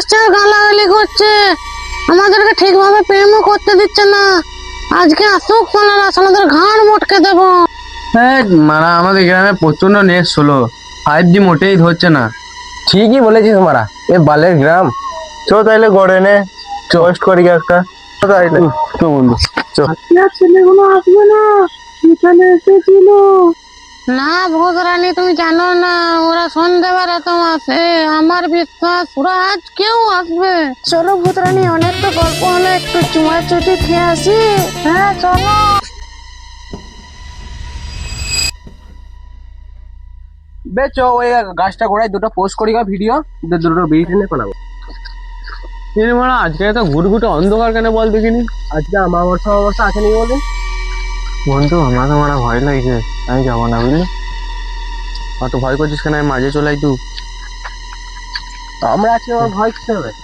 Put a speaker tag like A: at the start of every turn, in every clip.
A: আসছে আর গালাগালি করছে, আমাদেরকে ঠিকভাবে প্রেমও করতে দিচ্ছে না। আজকে আসুক সোনারা, সোনাদের ঘাড় মটকে দেবো।
B: হ্যাঁ মারা, আমাদের গ্রামে প্রচন্ড নেট স্লো, 5G মোটেই ধরছে না।
C: ঠিকই বলেছিস মারা, এ বালের গ্রাম। চো তাইলে গড়ে নে, পোস্ট করি একটা। তাইলে
B: তো বন্ধু চ।
A: ছেলেগুলো আসবে না, এখানে এসেছিল না। ভূত রানী তুমি জানো না, ওরা সন্ধ্যেবেলা তো আসে। আমার বিশ্বাস ওরা আজ কেউ আসবে। চলো ভূত রানী, অনেক তো গল্প হলো, একটু চুমা চুটি খেয়ে আসি। হ্যাঁ চলো।
C: বে চো, ওই গাছটা গোড়ায় দুটো পোস্ট করি ভিডিও, দুটো বেরিয়ে টেনে বানাবো।
B: মারা আজকে তো ঘুটঘুটে অন্ধকার কেন বল দেখিনি?
C: আজকে অমাবস্যা আসেনি বলে।
B: বন্ধু আমার তো মারা ভয় লাগছে, আমি যাবো না বুঝলি। অত ভয় করছিস কেন? আমি মাঝে চলাই তুই।
C: আমরা আছি, আমার ভয় কিসে হবে?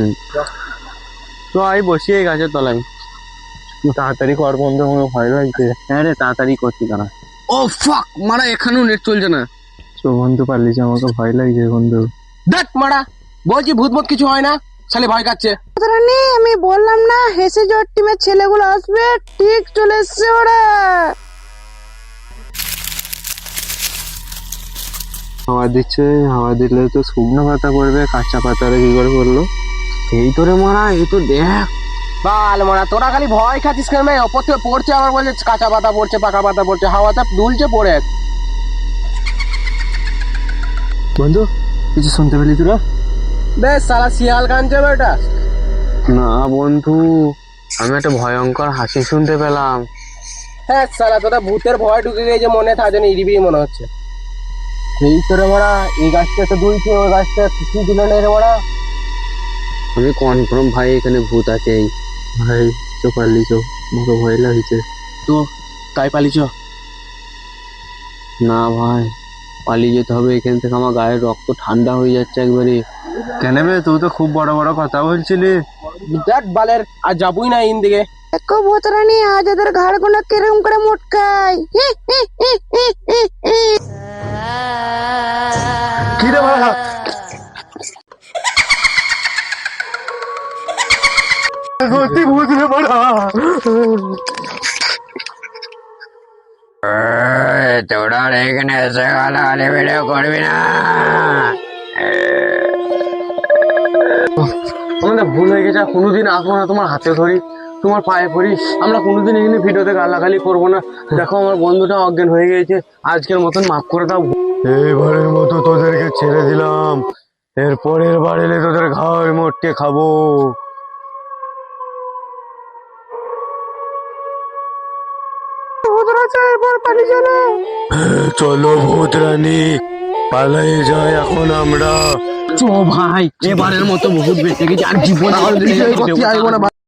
B: তো আমি বসি এই গাছের তলায়।
C: তাড়াতাড়ি কর বন্ধু, আমার ভয় লাগছে।
B: হ্যাঁ রে, তাড়াতাড়ি করছি তারা। ও ফাক মারা, এখানেও নেট চলছে না। তো বন্ধু পারলিস, আমাকে ভয় লাগছে বন্ধু।
C: দেখ মারা, বলছি ভূত মত কিছু হয় না, খালি ভয় কাচ্ছে।
A: ভূত রানী আমি বললাম না, হেসে জোর টিমের ছেলেগুলো আসবে, ঠিক চলে এসছে ওরা।
B: হাওয়া দিচ্ছে, হাওয়া দিলে তো শুকনো পাতা পড়বে, কাঁচা পাতারে কি করে পড়লো? এই তোরে মারা, এই তো দেখ।
C: বাল মারা, তোরা খালি ভয় খাচ্ছিস কেন? ওপর থেকে পড়ছে, আবার বলছে কাঁচা পাতা পড়ছে, পাকা পাতা পড়ছে, হাওয়াতে দুলছে পড়ে।
B: বন্ধু কিছু শুনতে পেলি তোরা?
C: বেশ সালা শিয়াল কানছে বেটা।
B: না বন্ধু, আমি একটা ভয়ঙ্কর হাসি শুনতে পেলাম।
C: হ্যাঁ সালা, তোরা ভূতের ভয় ঢুকে গেছে মনে, তার জন্য ইরিবিরি মনে হচ্ছে। এই তোরে মারা, এই গাছটা তো দুলছে, ওই গাছটা কিছুই দিল না রে মারা।
B: আমি কনফার্ম ভাই এখানে ভূত আছে। ভাই চো পারলি চো, আমাকে ভয় লাগছে।
C: তো তাই পালিছ?
B: না ভাই, পালিয়ে যেতে হবে এখান থেকে, আমার গায়ের রক্ত ঠান্ডা হয়ে যাচ্ছে একবারে। কেন বে, তুই তো খুব বড় বড় কথা বলছিলি।
C: দেখ বালের, আর যাবই না ইন দিকে।
A: দেখো ভূত রানী, আজ ওদের ঘাড় গুলো কিরম করে মোটকাই।
C: কি রে মারা? সত্যি ভূত রে মারা।
B: তোরা এখানে এসে গালাগালি ভিডিও করবি না। আমাদের ভুল হয়ে গেছে, কোনোদিন আসবো না তোমার হাতে ধরি, তোমার পায়ে পড়ি। আমরা কোনোদিন এখানে ভিডিওতে গালাগালি করবো না। দেখো আমার বন্ধুটা অজ্ঞান হয়ে গেছে, আজকের মতন মাফ করে দাও। এবারের মতো তোদেরকে ছেড়ে দিলাম, এর পরের বার এলে তোদের ঘাড় মোটকে খাবো। চলো ভূত রানী, পালাই যায় এখন আমরা। চো ভাই, এবারের মতো বহুত বেঁচে গেছি, আর জীবন